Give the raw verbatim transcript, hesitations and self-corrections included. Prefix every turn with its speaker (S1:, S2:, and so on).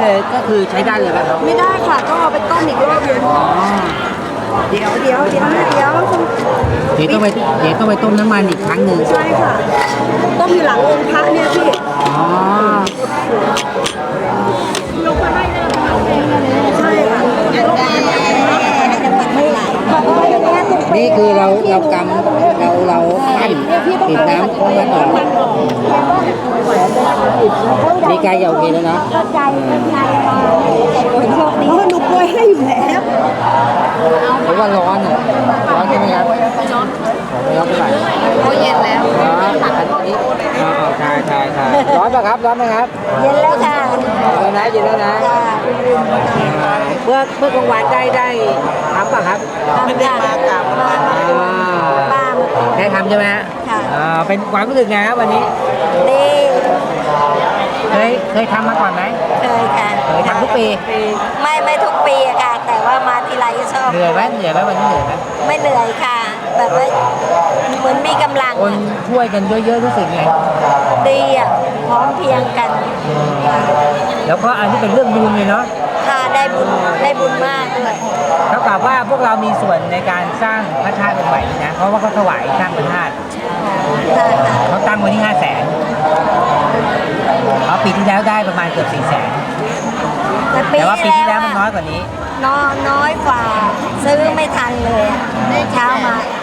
S1: เลยก็คือใช้ได้เลยครับ
S2: ไม่ได้ค่ะต้องเอาไปต้มอีกรอบนึงเดี๋ยวเดี๋ยวเดี๋ยวนะเดี๋ยว
S1: เดี๋ยวต้องไปเดี๋ยวต้องไปต้มน้ำมันอีกครั้งหนึ่ง
S2: ใช่ค่ะต้มอยู่หลังองค์พระเนี่ยพี่
S1: อ๋อย
S2: กมาให้เลยใช่ค่ะยกมาไม่ไหล
S1: นี่คือเราเรากำเราเราปั้นปิดน้ำของมันออกนี่ใกล้จะโอเคแล้วนะ
S2: ใจใจมาโชคดีหนูกล้วยให้อยู่แล้ว
S1: เพราะว่าร้อนอ่ะร้อนใช่ไหมครับร้อนไม่ร้อนเท่าไหร่
S2: โอ้เย็นแล้ว
S1: ร้อนอันนี้อ๋อใช่ใช่ใช่ร้อนป่ะครับร้อนไหมครับ
S2: เย็นแล้วค่ะ
S1: เย็นแล้วนะเย็นแล้วนะเมื่อเมื่อกลางวันได้ได้ทำป่ะครับ
S2: ไม่ได้มากลับมา
S1: อ่า
S2: ป้า
S1: ได้ทำใช่ไหมฮะ
S2: ค่ะ
S1: อ่าเป็นความรู้สึกไงครับวันนี้
S2: ดี
S1: เคยเคยทำมาก่อนไหม
S2: เคยค่ะ
S1: เคยทำทุกปี
S2: ไม่ไม่ทุกปีอะค่ะ แต่ว่ามาทีไรก็ชอบ
S1: เหนื่อยไหมเหนื่อยไหมวันนี้เหนื่อยไหม
S2: ไม่เหนื่อยค่ะ แบบว่าเหมือนมีกำลัง
S1: คน
S2: อะ
S1: ช่วยกันเยอะๆรู้สึกไง
S2: ดีอ่ะพร้อมเพรียงกัน
S1: แล้วก็อันที่เป็นเรื่องบุญเลยเนาะ
S2: ค่ะได้บุญได้บุญมากเลย
S1: เท่ากับว่าพวกเรามีส่วนในการสร้างพระธาตุองค์ใหม่นะเพราะว่าเขาถวายสร้างพระธาตุ
S2: ค่ะค่ะ
S1: เขาตั้งไว้ที่ห้าแสนเอาปีที่แล้วได้ประมาณเกือบสี่แสน
S2: แต่ปี
S1: แต่ว่าปี
S2: ที่
S1: ที่
S2: แล้
S1: แล้ว วมันน้อยกว่านี้
S2: น้อยน้อยกว่า ซื้อไม่ทันเลยอะเช้ามา